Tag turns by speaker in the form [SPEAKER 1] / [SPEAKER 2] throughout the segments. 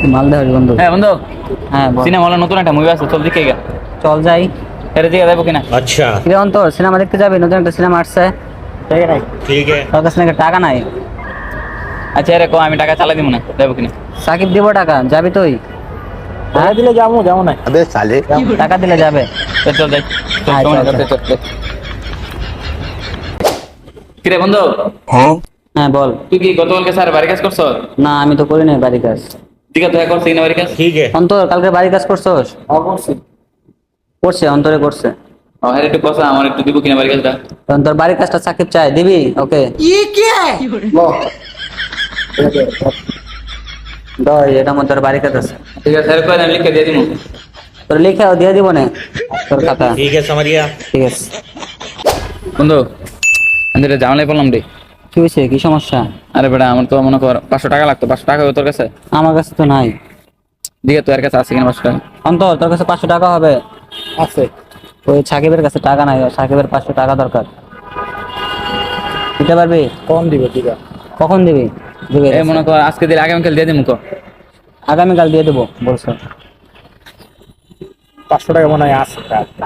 [SPEAKER 1] মালদা বন্ধু।
[SPEAKER 2] হ্যাঁ বন্ধু,
[SPEAKER 1] হ্যাঁ বল।
[SPEAKER 2] সিনেমা হলে নতুন একটা মুভি আছে, চল দেখে গা।
[SPEAKER 1] চল যাই।
[SPEAKER 2] এর দিকে যাবো কিনা?
[SPEAKER 3] अच्छा
[SPEAKER 1] কিরে অন্তর, সিনেমা দেখতে যাবি? নতুন একটা সিনেমা আসছে।
[SPEAKER 3] ठीक है।
[SPEAKER 1] তোর কাছে নাকি টাকা নাই?
[SPEAKER 2] আচ্ছা রে, আমি টাকা চালাই দিব না, যাবো কিনা?
[SPEAKER 1] সাকিব দিব টাকা, যাবি তুই? হ্যাঁ
[SPEAKER 2] দিলে যাবো, যাবো না।
[SPEAKER 3] अबे साले
[SPEAKER 1] টাকা দিলে যাবে।
[SPEAKER 2] চল যাই।
[SPEAKER 1] হ্যাঁ, চল, চল।
[SPEAKER 2] কিরে বন্ধু,
[SPEAKER 1] হ্যাঁ বল।
[SPEAKER 2] তুই কি গতকালকে স্যার বাড়ি কাজ করছো?
[SPEAKER 1] না, আমি তো করি নাই বাড়ি কাজ।
[SPEAKER 2] দিকে তো করছি না বাড়ি কাজ।
[SPEAKER 3] ठीक है।
[SPEAKER 1] অন্তর, কালকে বাড়ি কাজ করছোস?
[SPEAKER 2] করছি।
[SPEAKER 1] করছে, অন্তরে করছে।
[SPEAKER 2] ও হ্যাঁ, একটু কথা আমার একটু দিব কিনা বাড়ি কাজটা?
[SPEAKER 1] তখন তোর বাড়ির কাজটা সাকিব চাই, দিবি ওকে? দই, এটা মধ্যে তোর বাড়ির কাজ আছে।
[SPEAKER 2] ঠিক আছে স্যার, কই আমি লিখে দিয়ে দিব।
[SPEAKER 1] তোর লিখে দিয়ে দিব না তোর খাতা।
[SPEAKER 3] ठीक है समझ गया।
[SPEAKER 1] ঠিক আছে।
[SPEAKER 2] বন্ধু, আমি এটা জামালাই বললাম রে।
[SPEAKER 1] কি হয়েছে, কি সমস্যা?
[SPEAKER 2] আরে বেটা, আমার তো মনে কর 500 টাকা লাগতো। 500 টাকা হবে তোর কাছে?
[SPEAKER 1] আমার কাছে তো নাই।
[SPEAKER 2] দিকে তোর কাছে আছে কিনা 500 টাকা?
[SPEAKER 1] অন্তর, তোর কাছে 500 টাকা হবে?
[SPEAKER 2] আছে।
[SPEAKER 1] ওই সাকিবের কাছে টাকা নাই, সাকিবের 500 টাকা দরকার। দিতে পারবি?
[SPEAKER 2] কম দিব দিবা।
[SPEAKER 1] কখন দিবি? দিবি
[SPEAKER 2] এই মনে কর আজকে দিলে আগামীকাল দিয়ে দিমু।
[SPEAKER 1] আগামীকাল দিয়ে দেবো বলছো।
[SPEAKER 2] 500 টাকা মনে হয় আছে।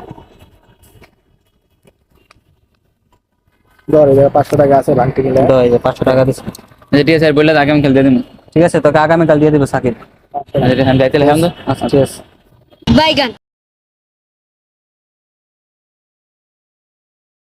[SPEAKER 2] ধর, 500 টাকা আছে, ভাঙতে গেলে।
[SPEAKER 1] দই, 500 টাকা দিচ্ছি।
[SPEAKER 2] ঠিক আছে স্যার, বললে আগামীকাল দিয়ে দিমু।
[SPEAKER 1] ঠিক আছে, তোকে আগামীকাল দিয়ে দেবো সাকিব।
[SPEAKER 2] আচ্ছা, আমি যাইতে হলাম।
[SPEAKER 1] আচ্ছা ঠিক আছে।
[SPEAKER 4] বাইগান।